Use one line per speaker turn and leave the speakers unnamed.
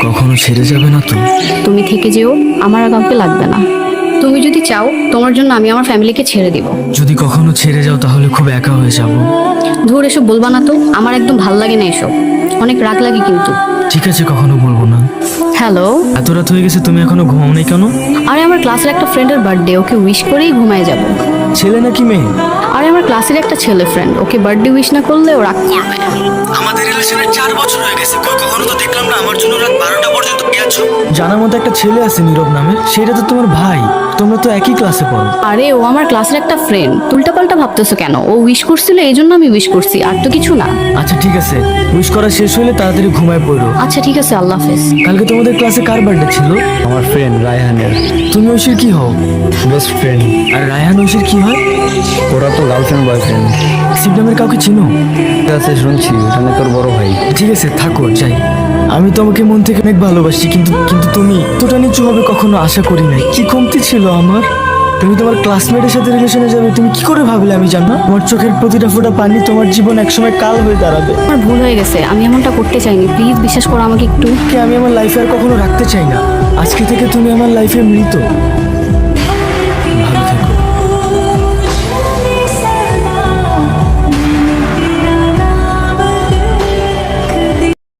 কখনো ছেড়ে যাবে না তো?
তুমি থেকে যেও, আমার আর কাউকে লাগবে না। তুমি যদি চাও তোমার জন্য আমি আমার ফ্যামিলিকে ছেড়ে দিব।
যদি কখনো ছেড়ে যাও তাহলে খুব একা হয়ে যাব।
ধুর, এসব বলবা না তো, আমার একদম ভাল লাগে না এসব, অনেক রাগ লাগে কিন্তু।
ঠিক আছে, কখনো বলবো না।
হ্যালো।
এত রাত হয়ে গেছে, তুমি এখনো ঘুমাও নাই কেন?
আরে আমার ক্লাসের একটা ফ্রেন্ডের বার্থডে, ওকে উইশ করেই ঘুমায় যাব।
ছেলে নাকি মেয়ে?
আরে আমার ক্লাসের একটা ছেলে ফ্রেন্ড, ওকে বার্থডে উইশ না করলে ও রাগ করবে।
আমাদের রিলেশনের 4 বছর হয়ে গেছে, কখনো তো দেখলাম না আমার জন্য রাত 12টা পর্যন্ত গেছো। জানার মতো একটা ছেলে আছে নীরব নামে, সেটা তো তোমার ভাই, তোমরা তো একই ক্লাসে পড়ো।
আরে ও আমার ক্লাসের একটা ফ্রেন্ড, উল্টাপাল্টা ভাবতেছো কেন? ও উইশ করছিল এই জন্য আমি উইশ করছি, আর তো কিছু না।
আচ্ছা ঠিক আছে, উইশ করা শেষ হলে তাড়াতাড়ি ঘুমায় পড়ো।
আচ্ছা ঠিক আছে, আল্লাহ হাফেজ।
কালকে তোমাদের ক্লাসে কার বার্থডে ছিল?
আমার ফ্রেন্ড রায়হানের
তুমি ঐশীর কি হও?
Best friend.
আর রায়হান ঐশীর কি হয়?
ওরা তো গার্লফ্রেন্ড বয়ফ্রেন্ড।
শিব নামের কাউকে চিনো?
আছে শুনছি, ওখানে তোর বড় ভাই।
ঠিক আছে থাকো, যাই। আমি তোমাকে মন থেকে অনেক ভালোবাসি, কিন্তু কিন্তু তুমি এতটা নিচু হবে কখনো আশা করি নাই। কি কমতি ছিল আমার? তুমি তোমার ক্লাসমেটের সাথে রিলেশনে যাবে, তুমি কি করে ভাবলে আমি জানো? তোমার চোখের প্রতিটা ফোঁটা পানি তোমার জীবন একসময় কাল হয়ে দাঁড়াবে।
আমার ভুল হয়ে গেছে, আমি এমনটা করতে চাইনি, প্লিজ বিশ্বাস করো আমাকে একটু।
কে আমি আমার লাইফে আর কখনো রাখতে চাই না। আজকে থেকে তুমি আমার লাইফে মৃত।